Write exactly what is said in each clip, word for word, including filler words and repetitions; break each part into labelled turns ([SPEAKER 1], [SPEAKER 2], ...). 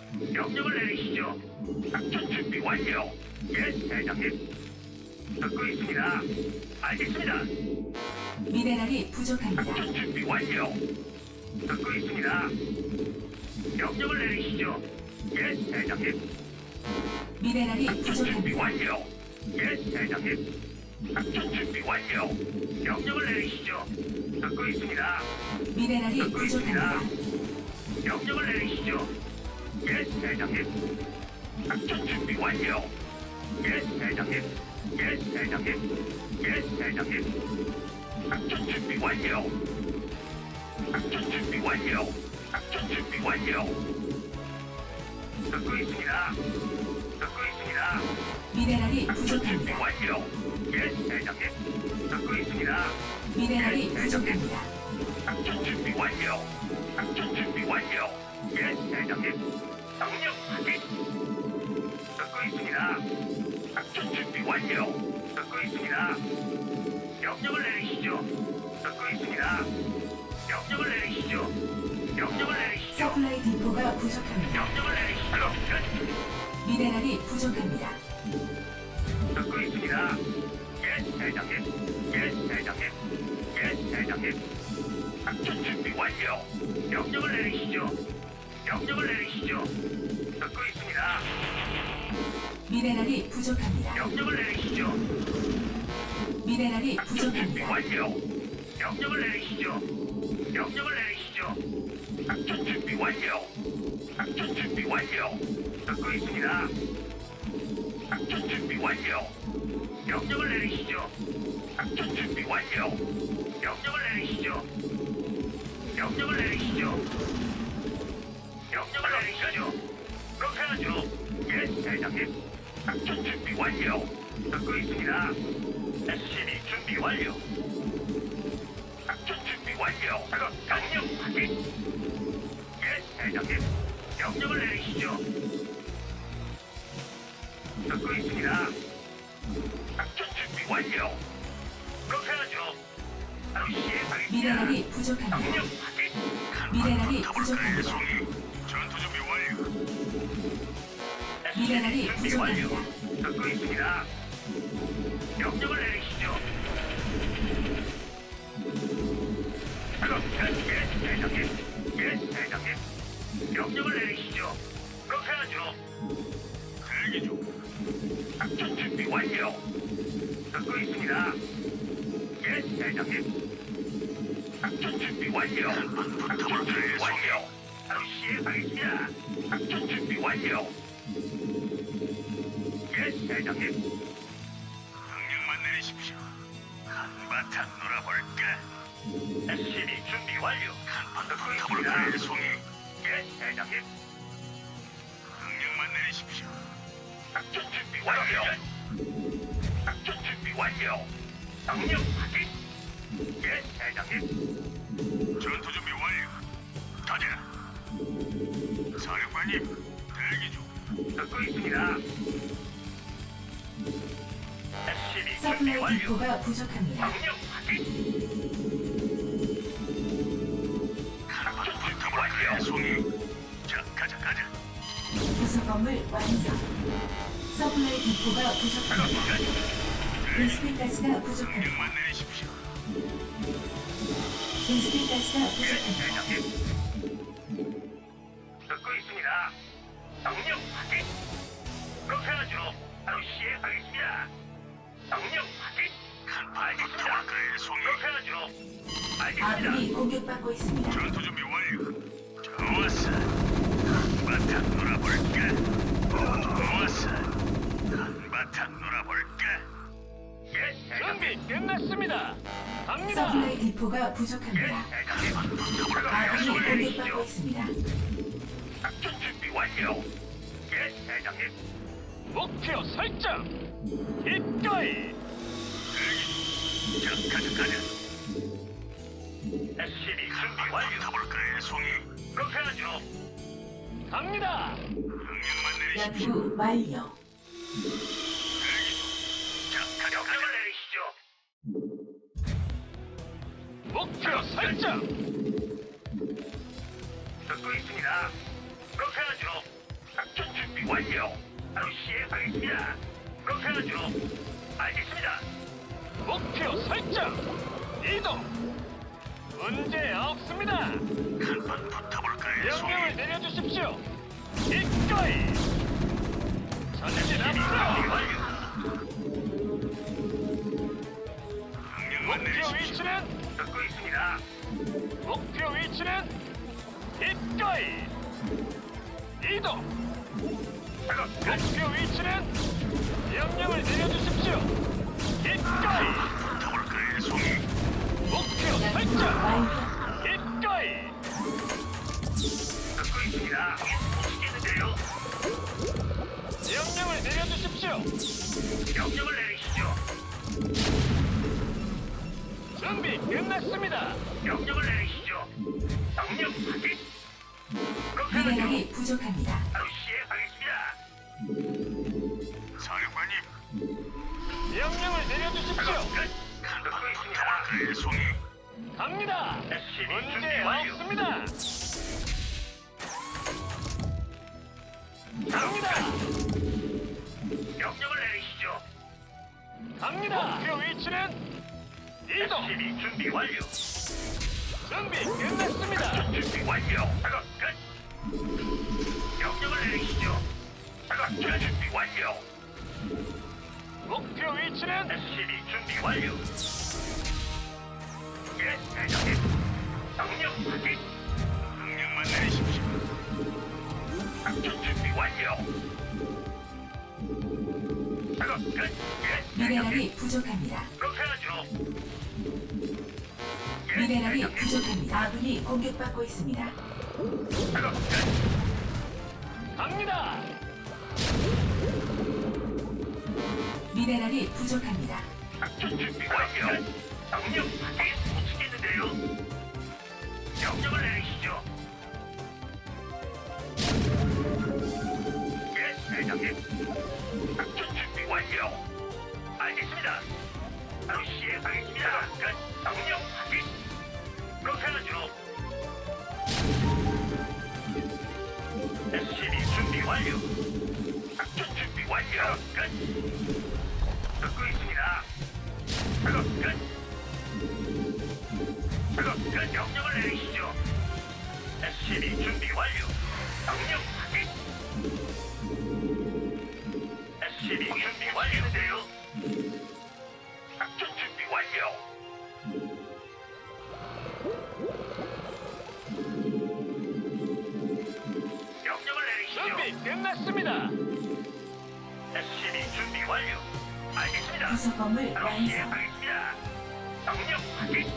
[SPEAKER 1] 명령을 내리시죠. 작전 준비 완료. 예, 대장님. 듣고 있습니다. 알겠습니다.
[SPEAKER 2] 미네랄이 부족합니다.
[SPEAKER 1] 작전 준비 완료. 듣고 있습니다. 명령을 내리시죠. 예, 대장님.
[SPEAKER 2] 미네랄이
[SPEAKER 1] 작전 준비
[SPEAKER 2] 부족합니다.
[SPEAKER 1] 완료. 예, 대장님. 작전 준비 완료. 명령을 내리시죠. 듣고 있습니다.
[SPEAKER 2] 미네랄이
[SPEAKER 1] 듣고 있습니다.
[SPEAKER 2] 부족합니다.
[SPEAKER 1] 명령을 내리시죠. 예, 대장님. 작전 준비 완료. 예, 대장님. 예, 대장님. 예, 대장님. 작전 준비 완료. 작전 준비 완료. 작전 준비 완료. 듣고 있습니다. 듣고 있습니다.
[SPEAKER 2] 미네랄이
[SPEAKER 1] 작전 준비
[SPEAKER 2] 부족합니다.
[SPEAKER 1] 완료. 예, 대장님. 듣고 있습니다.
[SPEAKER 2] 미네랄이 부족합니다.
[SPEAKER 1] 작전 준비 완료. 작전 준비 완료. 예, 대장님. 명령 확인. 듣고 있습니다. 작전 준비 완료. 듣고 있습니다. 명령을 내리시죠. 듣고 있습니다. 명령을 내리시죠. 명령을 내리시죠.
[SPEAKER 2] 서플라이 디포가 부족합니다.
[SPEAKER 1] 명령을 내리시죠. 끝.
[SPEAKER 2] 미네랄이 부족합니다.
[SPEAKER 1] 듣고 있습니다. 예, 대장님. 예, 대장님. 예, 대장님. 작전 준비 완료. 명령을 내리시죠. 명령을 내리시죠. 듣고 있습니다.
[SPEAKER 2] 미네랄이 부족합니다.
[SPEAKER 1] 명령을 내리시죠.
[SPEAKER 2] 미네랄이
[SPEAKER 1] 작전 준비
[SPEAKER 2] 부족합니다.
[SPEAKER 1] 완료. 명령을 내리시죠. 명령을 내리시죠. 작전 준비 완료. 작전 준비 완료. 듣고 있습니다. 작전 준비 완료. 명령을 내리시죠. 작전 준비 완료. 명령을 내리시죠. 명령을 내리시죠. 명령을 내리시죠. 그렇게 하죠. 예, 대장님. 작전 준비 완료. 듣고 있습니다. 에스씨비 준비 완료. 작전 준비 완료. 작업 명령 확인. 예, 대장님. 명령을 내리시죠. 듣고 있습니다. 작전 준비 완료. 그렇게 하죠. 바로 시행하겠습니다.
[SPEAKER 2] 미네랄이 부족합니다.
[SPEAKER 1] 명령 확인.
[SPEAKER 2] 미네랄이 부족합니다.
[SPEAKER 1] 전투 준비 완료.
[SPEAKER 2] 미네랄이
[SPEAKER 1] 준비 완료.
[SPEAKER 2] 부족합니다.
[SPEAKER 1] 듣고 있습니다. 명령을 내리시죠. 작업 끝. 예, 대장님. 예, 대장님. 명령을 내리시죠. 그렇게 하죠. 대기 중. 작전 준비 완료. 듣고 있습니다. 예, 대장님. 작전 준비 완료. 작전 준비 완료. 바로 시행하겠습니다. 작전 준비 완료. 예, 대장님. 명령만 내리십시오. 한바탕 놀아볼까? 에스씨비 준비 완료. 듣고 있습니다. 송이. 예, 대장님. 명령만 내리십시오. 작전 준비 완료. 작전 준비 완료. 명령 확인. 예, 대장님. 전투 준비 완료. 가자. 사령관님, 대기 중. 듣고 있습니다. 에스씨비 준비
[SPEAKER 2] 서플라이
[SPEAKER 1] 완료.
[SPEAKER 2] 디포가 부족합니다.
[SPEAKER 1] 명령 확인. 작전 준비 완료. 송이. 자, 가자, 가자.
[SPEAKER 2] 부속 건물 완성. 서플라이 디포가 부족합니다. 인스핀 가스가 부족합니다.
[SPEAKER 1] 명령만 내리십시오.
[SPEAKER 2] 인스핀 가스가
[SPEAKER 1] 예,
[SPEAKER 2] 부족합니다.
[SPEAKER 1] 대장님. 듣고 있습니다. 명령 확인. 그렇게 하죠. 바로 시행하겠습니다. 명령 확인. 알겠습니다. 그렇게 하죠. 알겠습니다.
[SPEAKER 2] 아군이 공격받고 있습니다.
[SPEAKER 1] 전투 준비 완료. 좋았어. 한바탕 놀아볼까? 좋았어. 한바탕 놀아볼까? 예, 대장님.
[SPEAKER 3] 준비 끝났습니다. 갑니다.
[SPEAKER 2] 서플라이 디포가
[SPEAKER 1] 예,
[SPEAKER 2] 부족합니다.
[SPEAKER 1] 대장님.
[SPEAKER 2] 아군이
[SPEAKER 1] 명령을
[SPEAKER 2] 공격받고
[SPEAKER 1] 내리시죠.
[SPEAKER 2] 있습니다.
[SPEAKER 1] 작전 준비 완료. 예, 대장님.
[SPEAKER 3] 목표 설정. 기꺼이.
[SPEAKER 1] 자, 가자, 가자. 에스씨비 준비 완료. 가볼까요, 송이? 그렇게 하죠.
[SPEAKER 3] 갑니다.
[SPEAKER 1] 명령만 내리십시오.
[SPEAKER 2] 연구 완료.
[SPEAKER 1] 자, 가자, 명령을 내리시죠.
[SPEAKER 3] 목표 설정.
[SPEAKER 1] 듣고 있습니다. 그렇게 하죠. 완료. 바로 시행하겠습니다. 그렇게 하죠. 알겠습니다.
[SPEAKER 3] 목표 설정. 이동. 문제 없습니다.
[SPEAKER 1] 한번 붙어볼까요, 송이?
[SPEAKER 3] 명령을 내려주십시오. 기꺼이. 전진 앞으로.
[SPEAKER 1] 완료. 명령만
[SPEAKER 3] 목표
[SPEAKER 1] 내리십시오.
[SPEAKER 3] 위치는
[SPEAKER 1] 듣고 있습니다.
[SPEAKER 3] 목표 위치는 기꺼이. 이동.
[SPEAKER 1] 작업 끝.
[SPEAKER 3] 목표 위치는 명령을 내려주십시오. 기꺼이.
[SPEAKER 1] 붙어볼까요, 송이?
[SPEAKER 3] 목표
[SPEAKER 2] 연구
[SPEAKER 3] 설정.
[SPEAKER 2] 완료.
[SPEAKER 3] 기꺼이.
[SPEAKER 1] 듣고 있습니다. 보시겠는데요?
[SPEAKER 3] 명령을 내려주십시오.
[SPEAKER 1] 명령을 내리시죠.
[SPEAKER 3] 준비 끝났습니다.
[SPEAKER 1] 명령을 내리시죠. 명령 확인. 그렇게 하죠.
[SPEAKER 2] 미네랄이 부족합니다.
[SPEAKER 1] 바로 시행하겠습니다. 사령관님.
[SPEAKER 3] 명령을 내려주십시오.
[SPEAKER 1] 작업 끝. 듣고 있습니다. 그의 송이.
[SPEAKER 3] 갑니다.
[SPEAKER 1] 에스씨비
[SPEAKER 3] 문제
[SPEAKER 1] 준비 완료.
[SPEAKER 3] 없습니다. 갑니다.
[SPEAKER 1] 명령을 내리시죠.
[SPEAKER 3] 갑니다. 목표 위치는 이동.
[SPEAKER 1] 에스씨비 준비 완료.
[SPEAKER 3] 준비 끝났습니다.
[SPEAKER 1] 작전 준비 완료. 작업 끝. 명령을 내리시죠. 작업 끝. 준비 완료.
[SPEAKER 3] 목표 위치는
[SPEAKER 1] 에스씨비 준비 완료. 예, 대장님. 명령 확인. 명령만 내리십시오. 작전 준비 완료. 작업 끝. 예, 대장님.
[SPEAKER 2] 미네랄이 부족합니다.
[SPEAKER 1] 그렇게 하죠. 예,
[SPEAKER 2] 미네랄이
[SPEAKER 1] 대장님.
[SPEAKER 2] 부족합니다. 아군이 공격받고 있습니다.
[SPEAKER 1] 작업 끝.
[SPEAKER 3] 갑니다.
[SPEAKER 2] 미네랄이 부족합니다.
[SPEAKER 1] 작전 준비 완료. 명령 확인. 못치겠는데요. 명령을 내리시죠. 예, 대장님. 작전 준비 완료. 알겠습니다. 바로 시행하겠습니다. 끝. 명령 확인. 그렇게 하죠. 에스씨비 준비 완료. 작전 준비 완료. 끝. 듣고 있습니다. 작업 끝. 작업 끝. 명령을 내리시죠. 에스씨비 준비 완료. 명령 확인. 에스씨비 준비 완료인데요. 작전 준비 완료. 명령을 내리시죠.
[SPEAKER 3] 준비 끝났습니다.
[SPEAKER 1] 에스씨비 준비 완료. 알겠습니다.
[SPEAKER 2] 부속 건물
[SPEAKER 1] 바로
[SPEAKER 2] 완성.
[SPEAKER 1] 시행하겠습니다. 명령 확인.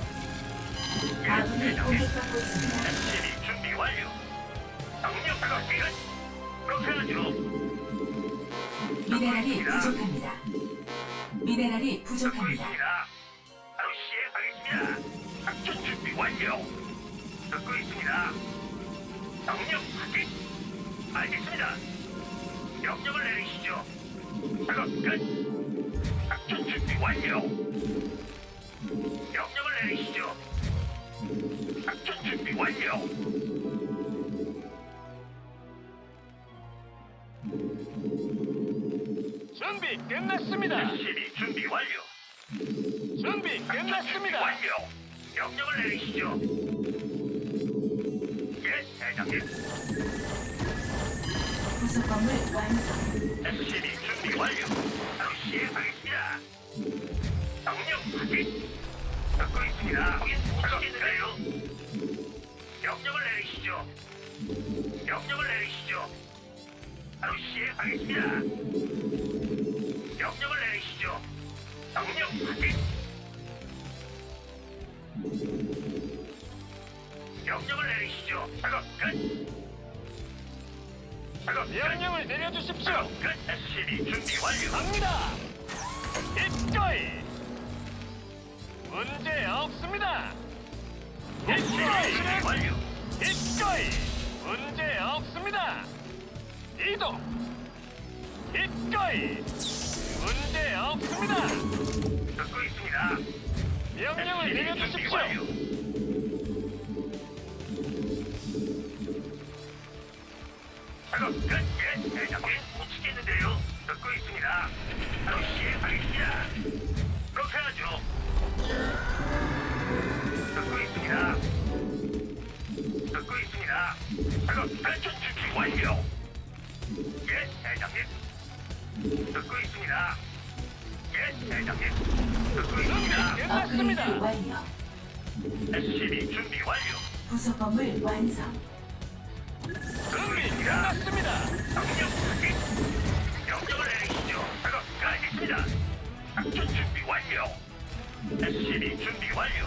[SPEAKER 2] 아군이 공격받고 있습니다.
[SPEAKER 1] 에스씨비 준비 완료. 명령 작업 끝. 그렇게 하죠.
[SPEAKER 2] 미네랄이 부족합니다. 미네랄이
[SPEAKER 1] 듣고
[SPEAKER 2] 부족합니다.
[SPEAKER 1] 있습니다. 바로 시행하겠습니다. 작전 준비 완료. 듣고 있습니다. 명령 확인. 알겠습니다. 명령을 내리시죠. 작업 끝. 작전 준비 완료. 명령을 내리시죠. 작전 준비 완료.
[SPEAKER 3] 준비 끝났습니다.
[SPEAKER 1] 에스씨비 준비 완료.
[SPEAKER 3] 준비
[SPEAKER 1] 작전 준비
[SPEAKER 3] 끝났습니다.
[SPEAKER 1] 완료. 명령을 내리시죠. 예, 대장님.
[SPEAKER 2] 부속 건물 완성.
[SPEAKER 1] 에스씨비 준비 완료. 바로 시행하겠습니다. 명령 확인. 듣고 있습니다. 거긴 못하겠는데요. 명령을 내리시죠. 명령을 내리시죠. 바로 시행하겠습니다. 명령을 내리시죠. 명령 확인. 명령을 내리시죠. 작업 끝. 작업 끝.
[SPEAKER 3] 명령을 내려주십시오.
[SPEAKER 1] 작업 끝. 에스씨비 준비 완료.
[SPEAKER 3] 갑니다. 기꺼이. 문제 없습니다.
[SPEAKER 1] 에스씨비 준비
[SPEAKER 3] 기꺼이.
[SPEAKER 1] 완료.
[SPEAKER 3] 기꺼이. 문제 없습니다. 이동. 기꺼이. 문제 없습니다.
[SPEAKER 1] 듣고 있습니다.
[SPEAKER 3] 명령을
[SPEAKER 1] 준비
[SPEAKER 3] 내려주십시오.
[SPEAKER 1] 완료. 작업 끝. 예, 대장님. 못 치겠는데요. 듣고 있습니다. 바로 시행하겠습니다. 그렇게 하죠. 듣고 있습니다. 듣고 있습니다. 작업 작전 준비 완료. 예, 대장님. 듣고 있습니다. 예, 대장님. 듣고 있습니다.
[SPEAKER 3] 준비 끝났습니다.
[SPEAKER 2] 업그레이드 완료.
[SPEAKER 1] 에스씨비 준비 완료.
[SPEAKER 2] 부속 건물 완성.
[SPEAKER 3] 준비 끝났습니다.
[SPEAKER 1] 명령 확인. 명령을 내리시죠. 작업 끝. 작전 준비 완료. 에스씨비 준비 완료.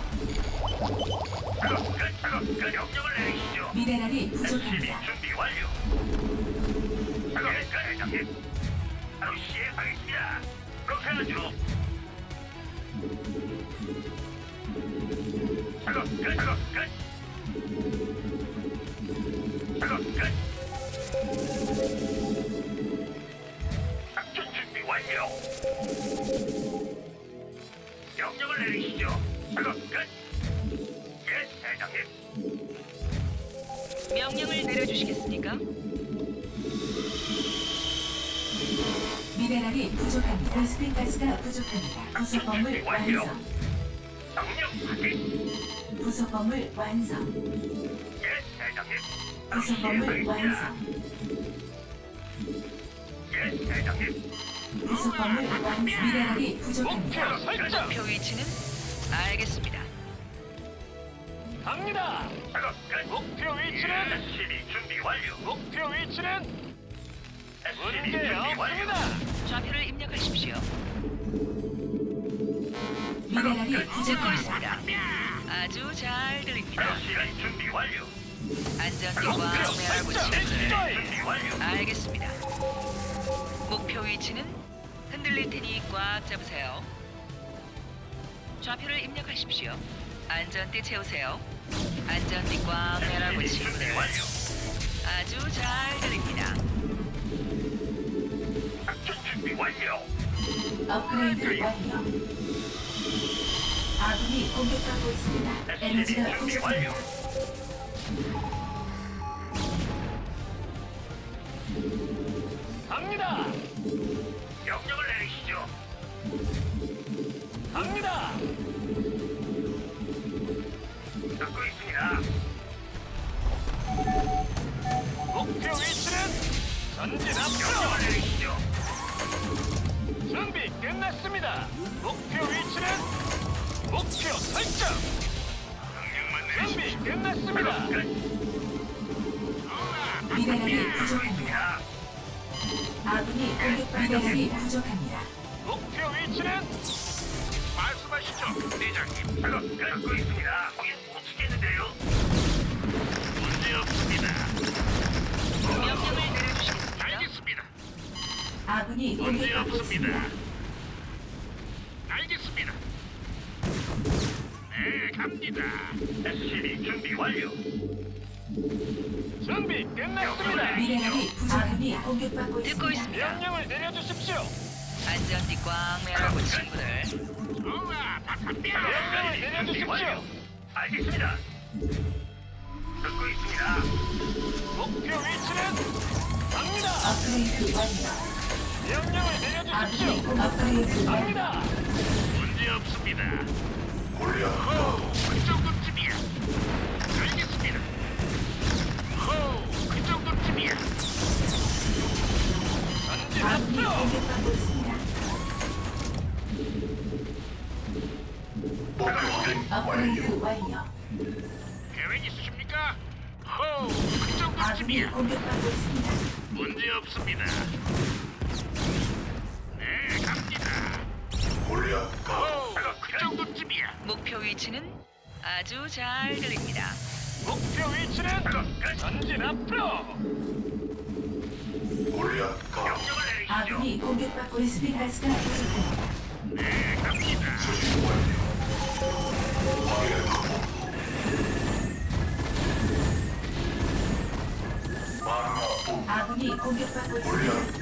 [SPEAKER 1] 작업 끝. 작업 끝. 명령을 내리시죠.
[SPEAKER 2] 미네랄이
[SPEAKER 1] 에스씨비
[SPEAKER 2] 부족합니다.
[SPEAKER 1] 준비 완료. 작업 끝. 대장님. 바로 시행하겠습니다. 그렇게 하죠. 작업 끝. 작업 끝. 작업 끝. 작전 준비 완료. 명령을 내리시죠. 작업 끝. 예, 대장님.
[SPEAKER 4] 명령을 내려주시겠습니까?
[SPEAKER 2] 미네랄이 부족합니다. 베스핀 가스가 부족합니다. 부속 건물 완성.
[SPEAKER 1] 명령 확인.
[SPEAKER 2] 부속 건물 완성.
[SPEAKER 1] 예, 대장님. 바로
[SPEAKER 2] 부속 건물
[SPEAKER 1] 시행하겠습니다.
[SPEAKER 2] 완성.
[SPEAKER 1] 예, 대장님.
[SPEAKER 2] 부속 건물 완성. 미네랄이 부족합니다.
[SPEAKER 3] 목표 설정.
[SPEAKER 4] 목표 위치는 알겠습니다.
[SPEAKER 3] 갑니다.
[SPEAKER 1] 작업 끝.
[SPEAKER 3] 목표 위치는
[SPEAKER 1] 에스씨비 준비 완료.
[SPEAKER 3] 목표 위치는
[SPEAKER 1] 에스씨비
[SPEAKER 3] 문제
[SPEAKER 1] 준비 완료.
[SPEAKER 3] 없습니다.
[SPEAKER 4] 좌표를 입력하십시오.
[SPEAKER 2] 미네랄이
[SPEAKER 4] 듣고
[SPEAKER 2] 부족합니다.
[SPEAKER 4] 있습니다. 아주 잘 들립니다.
[SPEAKER 1] 에스씨비 준비 완료.
[SPEAKER 4] 안전띠와
[SPEAKER 3] 목표
[SPEAKER 4] 메아부
[SPEAKER 3] 설정.
[SPEAKER 4] 친구들.
[SPEAKER 1] 준비 완료.
[SPEAKER 4] 알겠습니다. 목표 위치는 흔들릴 테니 꽉 잡으세요. 좌표를 입력하십시오. 안전띠 채우세요. 안전띠 꽉 매라고
[SPEAKER 1] 에스씨비 준비
[SPEAKER 4] 친구들.
[SPEAKER 1] 완료.
[SPEAKER 4] 아주 잘 들립니다.
[SPEAKER 1] 작전 준비 완료.
[SPEAKER 2] 업그레이드 완료. 아군이 공격받고 있습니다.
[SPEAKER 1] 에스씨비
[SPEAKER 2] 에너지가
[SPEAKER 1] 준비
[SPEAKER 2] 부족합니다.
[SPEAKER 1] 완료.
[SPEAKER 3] 갑니다.
[SPEAKER 1] 명령을 내리시죠.
[SPEAKER 3] 갑니다.
[SPEAKER 1] 듣고 있습니다.
[SPEAKER 3] 목표 위치는 전진 앞으로.
[SPEAKER 1] 명령을 내리시죠.
[SPEAKER 3] 준비 끝났습니다. 목표 위치는 목표 설정.
[SPEAKER 1] 명령만
[SPEAKER 3] 준비
[SPEAKER 1] 내리시죠.
[SPEAKER 3] 끝났습니다.
[SPEAKER 1] 작업 끝.
[SPEAKER 2] 미네랄이 부족합니다.
[SPEAKER 1] 자,
[SPEAKER 2] 아군이 공격받고 미네랄이 부족합니다.
[SPEAKER 3] 목표 위치는
[SPEAKER 1] 말씀하시죠, 대장님. 작업 끝. 듣고 있습니다. 거긴 못 치겠는데요. 문제 없습니다.
[SPEAKER 4] 명령을 내려주시겠습니까?
[SPEAKER 1] 알겠습니다.
[SPEAKER 2] 아군이
[SPEAKER 1] 문제
[SPEAKER 2] 공격받고
[SPEAKER 1] 없습니다.
[SPEAKER 2] 있습니다.
[SPEAKER 1] 알겠습니다. 네, 갑니다. 에스씨비 준비 완료.
[SPEAKER 3] 준비 끝났습니다.
[SPEAKER 2] 미네랄이 부족합니다. 공격받고
[SPEAKER 4] 듣고
[SPEAKER 2] 있습니다.
[SPEAKER 4] 있습니다.
[SPEAKER 3] 명령을 내려주십시오.
[SPEAKER 4] 안전띠 꽉 매라고 친구들.
[SPEAKER 1] 좋아, 다 갑니다.
[SPEAKER 3] 명령을 내려주십시오.
[SPEAKER 1] 알겠습니다. 듣고 있습니다.
[SPEAKER 3] 목표 위치는 갑니다.
[SPEAKER 2] 업그레이드 완료.
[SPEAKER 3] 명령을 내려주십시오.
[SPEAKER 2] 아군이 공 업그레이드 완료.
[SPEAKER 3] 갑니다.
[SPEAKER 1] 문제 없습니다. 호, 그 정도쯤이야. 알겠습니다. 호, 그 정도쯤이야.
[SPEAKER 3] 전진
[SPEAKER 2] 아군이
[SPEAKER 3] 앞으로.
[SPEAKER 2] 공격받고 있습니다. 업그레이드 완료.
[SPEAKER 1] 계획 있으십니까? 호, 그
[SPEAKER 2] 아군이
[SPEAKER 1] 정도쯤이야.
[SPEAKER 2] 공격받고 있습니다.
[SPEAKER 1] 문제 없습니다. 네, 갑니다. 호, 그 정도쯤이야.
[SPEAKER 4] 목표 위치는 아주 잘 들립니다.
[SPEAKER 3] 목표 위치는
[SPEAKER 1] 작업 끝.
[SPEAKER 3] 전진 앞으로.
[SPEAKER 1] 명령을 내리시죠.
[SPEAKER 2] 아군이 공격받고 있습니다. 가스가 부족합니다.
[SPEAKER 1] 네, 갑니다.
[SPEAKER 2] 아군이 공격받고 있습니다.